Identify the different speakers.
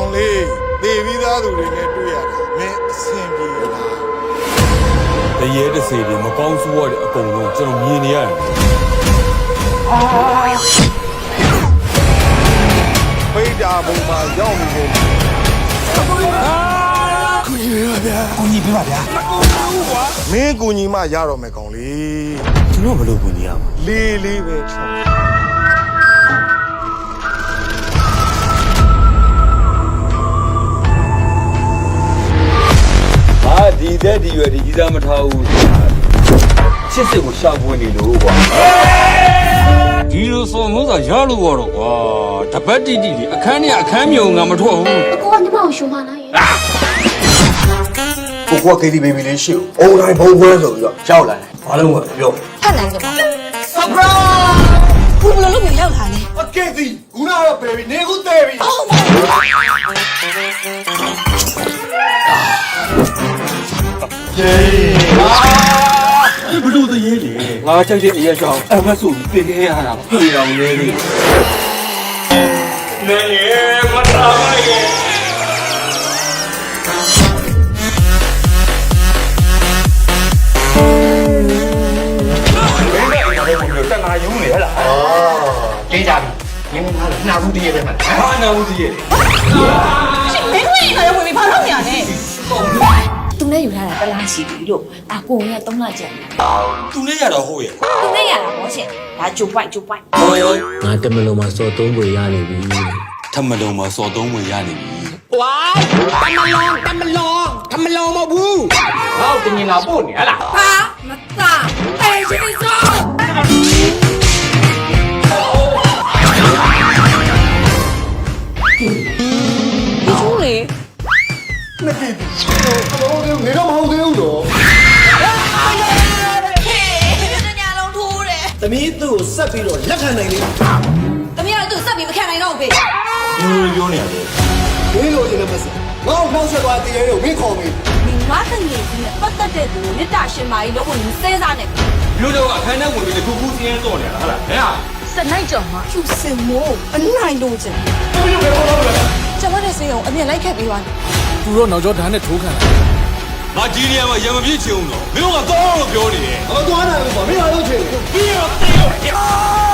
Speaker 1: လေးသေပြီးသားသူတွေနဲ့တွေ့ရတယ်မင်းအဆင်ပြေလားတရေတစေတွေမကောင်းဆိုးရတဲ့အကုန်လုံးကျွန်တော်မြင်နေရတယ်ဖိတ်တာပုံမှာရောက်နေတယ်ကူညီပါဗျာကူညီပေးပါဗျာမင်းကူညီမှရတော့မယ်ကောင်လေးကျွန်တော်ဘယ်လိုကူညီရမှာလေးပဲချောဒီတဲ့ဒီရွယ်ဒီကြီးစားမထားဘူးချစ်စစ်ကိုရှောက်ပွင့်နေလို့ကွာဒီလိုစော်မိုးသာရလို့တော့ကွာတပတ်တိတိအခန်းနဲ့အခန်းမြုံငါမထွက်ဘူး
Speaker 2: အကိုကညီမကိုရှုံးမလားရဲ့
Speaker 1: ကိုကကေဒီဘေဘီလေးရှိဦးအုံတိုင်းဘုံပွဲဆိုပြီးတော့ရောက်လာတယ်ဘာလို့မပြော
Speaker 2: ဖတ်နိုင်ကြပါဆပ်ပရာဘူးဘလို့လို့ရောက်လာလဲ
Speaker 1: အကေဒီခုနကတော့ဘေဘီနေခုတဲပြီဘလို့တည်းလေငါကြိုက်တဲ့အရက်ကြောင့်အမတ်ဆိုပြီးပြင်ခဲ့ရတာပြေအောင်လေးလေမတားပါရဲ့တနာယုံနေဟလား
Speaker 3: တေးကြပြီရင်းသားလို့နှာဘူးတည်းရဲ့ပဲမှာ
Speaker 1: ဟာနာဦးကြီးရဲ့
Speaker 2: မင်းဝင်ခါရဝင်ပြီးဘာလုပ်နေရလဲသူနဲ့ယူထားတာတလားရှိပြီလို့အကိုက3လကျန်
Speaker 1: သူနဲ့ရတော့ဟုတ်ရဲ့
Speaker 2: သူနဲ့ရတာဟောရှင်ဒါဂျိုပိုက်
Speaker 4: ငါတမလုံးမှာစော်သုံးပွေရနေပြီ
Speaker 1: ထမလုံးမှာစော်သုံးဝင်ရနေပြီ
Speaker 3: ဝိုင်းတမလုံးမဟုတ်ဘူးဟောတင်ရင်လာပို့နေဟလား
Speaker 2: ဟာမသားတေးရှိစောကျူးလေ
Speaker 1: နှစ်ကီနေတော့မဟုတ်သေးဘူးတော့
Speaker 3: သမီးသူ့ကိုဆက်ပြီးတော့လက်ခံနိုင်လေ
Speaker 2: သမီးကသူ့ဆက်ပြီးမခံနိုင်တော့ဘူးဖေ
Speaker 1: ပြောနေရတယ်
Speaker 3: မင်းလိုချင်တဲ့မစငါ့ကိုနှောက်ဆက်သွားတဲ့ရဲကိုမင်းခေါ်မေး
Speaker 2: မိမတငယ်ကြီးနဲ့ပတ်သက်တဲ့သူမြတ်တာရှင်မာကြီးလို့ကိုစဲစားနေ
Speaker 1: မျိုးတော့အခန်းထဲဝင်ပြီးတခုခုစင်းရဲတော့နေရတာဟုတ်လားဟဲ့
Speaker 2: စနိုင်ကြော်မှာကျူစင်မိုးအနိုင်လို့ချင်ကျွန်မနဲ့စေအောင်အမြင်လိုက်ခဲ့ပြီးသွား
Speaker 4: သူတို့နောက်ကျောဓာတ်နဲ့ထိုးခံလာ
Speaker 1: ငါဒီနေရာမှာရံမပြည့်ချင်အောင်တော့မင်းတို့ကတော့လို့ပြောနေတယ်
Speaker 3: အမသွားနိုင်ဘူးကွာမင်းလာလို့ချင်
Speaker 1: ပြီးတော့